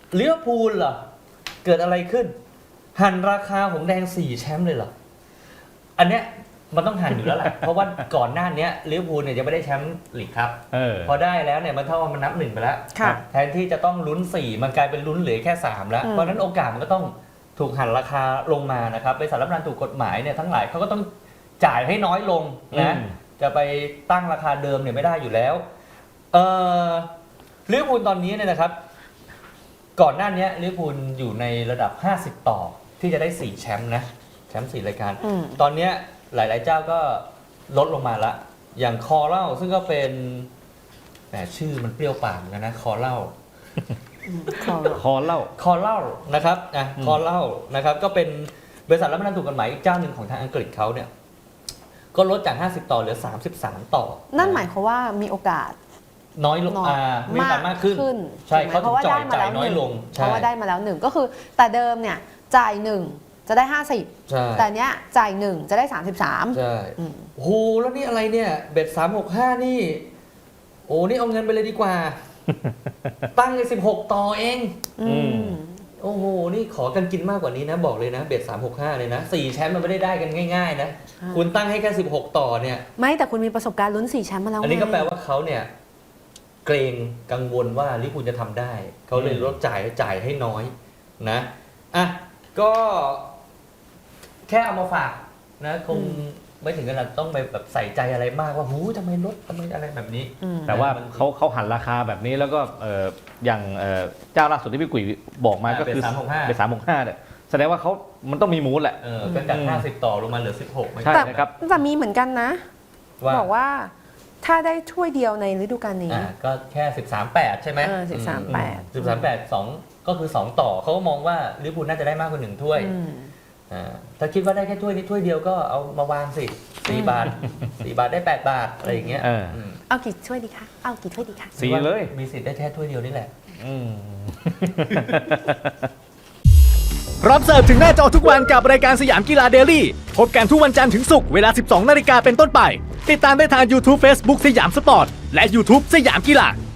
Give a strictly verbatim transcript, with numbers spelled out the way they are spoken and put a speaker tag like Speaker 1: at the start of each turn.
Speaker 1: ลิเวอร์พูลเหรอเกิดอะไรขึ้นหั่นราคาหงแดงสี่แชมป์เลยเหรออันเนี้ยมันต้องหั่นอยู่แล้วแหละ เพราะว่าก่อนหน้านี้ลิเวอร์พูลเนี่ยจะไม่ได้แชมป์ลีกครับออพอได้แล้วเนี่ยมันเท่าว่ามันนับหนึ่งไปแล้วแทนที่จะต้องลุ้นสี่มันกลายเป็นลุ้นเหลือแค่สามแล้วเพราะนั้นโอกาสมันก็ต้องถูกหั่นราคาลงมานะครับบริษัทรับประกันถูกกฎหมายเนี่ยทั้งหลายเขาก็ต้องจ่ายให้น้อยลงนะจะไปตั้งราคาเดิมเนี่ยไม่ได้อยู่แล้วเออลิเวอร์พูลตอนนี้เนี่ยนะครับก่อนหน้านี้ลิเวอร์พูลอยู่ในระดับห้าสิบต่อที่จะได้สี่แชมป์นะแชมป์สี่รายการตอนนี้หลายๆเจ้าก็ลดลงมาละอย่างคอเล่าซึ่งก็เป็นแหมชื่อมันเปรี้ยวปากเหมือนกันนะคอเล่า
Speaker 2: คอเล่า
Speaker 1: คอเล่านะครับนะคอเล่านะครับก็เป็นบริษัทรับประกันถูกกฎหมายอีกเจ้าหนึ่งของทางอังกฤษเขาเนี่ยก็ลดจากห้าสิบต่อเหลือสามสิบสามต่อ
Speaker 3: นั่นหมายความว่ามีโอกาส
Speaker 1: น้อยลงอ่ามีโอกาสมากขึ้นใช่เขาถึงจ่ายจ่ายน้อยลง
Speaker 3: เพราะว่าได้มาแล้วหนึ่งก็คือแต่เดิมเนี่ยจ่ายหนึ่งจะได้ห้าสิบแต่เนี้ยจ่ายหนึ่งจะได้สามสิบสาม
Speaker 1: ใช่โอ้โหแล้วนี่อะไรเนี่ยเบ็ดสามหกห้านี่โอ้นี่เอาเงินไปเลยดีกว่าตั้งเลยสิบหกต่อเองโอ้โหนี่ขอกันกินมากกว่านี้นะบอกเลยนะเบ็ดสามหกห้าเลยนะสี่แชมป์มันไม่ได้ได้กันง่ายๆนะคุณตั้งให้แค่สิบหกต่อเนี่ย
Speaker 3: ไม่แต่คุณมีประสบการณ์ลุ้นสี่แชมป์มาแล้ว
Speaker 1: อันนี้ก็แปลว่าเขาเนี่ยเกรงกังวลว่าลิเวอร์พูลจะทำได้เขาเลยลดจ่ายจ่ายให้น้อยนะอ่ะก็แค่เอามาฝากนะคงไม่ถึงขนาดต้องไปแบบใส่ใจอะไรมากว่าหูทำไมลดทำไมอะไรแบบนี้
Speaker 2: แต่ว่าเขาเขาหันราคาแบบนี้แล้วก็อย่างเจ้าล่าสุดที่พี่กุ๋ยบอกมาก็คือเป็นสามหกห้าเนี่ยแสดงว่าเขามันต้องมีมูลแหละ
Speaker 1: ก็จากห้าสิบต่อลงมาเหลือสิบหก
Speaker 2: ใช่นะครับ
Speaker 3: แต่มีเหมือนกันนะบอกว่าถ้าได้ถ้วยเดียวในฤดูกาลนี้
Speaker 1: ก็แค่สิบสามแปดใช่ไหม
Speaker 3: สิบสามแปด
Speaker 1: สิบสามแปดสองก็คือสองต่อเขาก็มองว่าลิเวอร์พูลน่าจะได้มากกว่าหนึ่งถ้วยถ้าคิดว่าได้แค่ถ้วยนี้ถ้วยเดียวก็เอามาวางสิสี่บาทสี่บาทได้แปดบาทอะไรอย่างเงี้ย
Speaker 3: เอากี่ถ้วยดีคะเอากี่ถ้วยดีคะ
Speaker 2: สี่เลย
Speaker 1: มีสิทธิ์ได้แค่ถ้วยเดียวนี่แหละ
Speaker 4: พร้อมเสิร์ฟถึงหน้าจอทุกวันกับรายการสยามกีฬาเดลี่พบกันทุกวันจันทร์ถึงศุกร์เวลา สิบสองนาฬิกาเป็นต้นไปติดตามได้ทาง YouTube Facebook สยามสปอร์ตและ YouTube สยามกีฬา